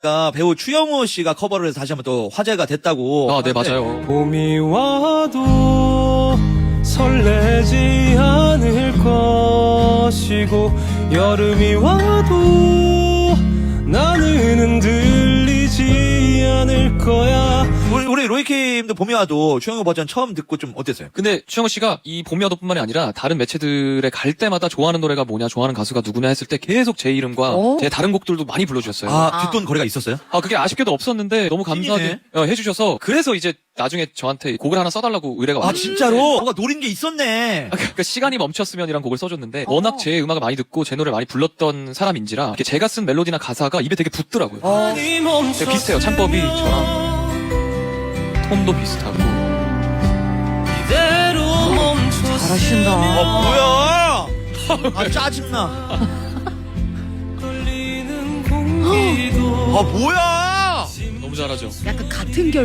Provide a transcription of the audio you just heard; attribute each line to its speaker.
Speaker 1: 배우 추영우 씨가 커버를 해서 다시 한번 또 화제가 됐다고.
Speaker 2: 아, 네, 맞아요.
Speaker 3: 봄이 와도 설레지 않을 것이고 여름이 와도 나는 흔들리지 않을 거야.
Speaker 1: 우리 로이킴도 봄이 와도 추영우 버전 처음 듣고 좀 어땠어요?
Speaker 2: 근데 추영우 씨가 이 봄이 와도뿐만이 아니라 다른 매체들에 갈 때마다 좋아하는 노래가 뭐냐, 좋아하는 가수가 누구냐 했을 때 계속 제 이름과 제 다른 곡들도 많이 불러주셨어요.
Speaker 1: 뒷돈 거래가 있었어요?
Speaker 2: 그게 아쉽게도 없었는데 너무 감사하게 해주셔서 그래서 이제 나중에 저한테 곡을 하나 써달라고 의뢰가 왔어요.
Speaker 1: 진짜로? 뭔가 노린 게 있었네.
Speaker 2: 그러니까 시간이 멈췄으면이란 곡을 써줬는데 워낙 제 음악을 많이 듣고 제 노래를 많이 불렀던 사람인지라 이렇게 제가 쓴 멜로디나 가사가 입에 되게 붙더라고요. 되게 비슷해요. 창법이 저랑 톤도 비슷하고.
Speaker 4: 잘하신다.
Speaker 1: 뭐야? 짜증나. 뭐야?
Speaker 2: 너무 잘하죠.
Speaker 4: 약간 같은 결.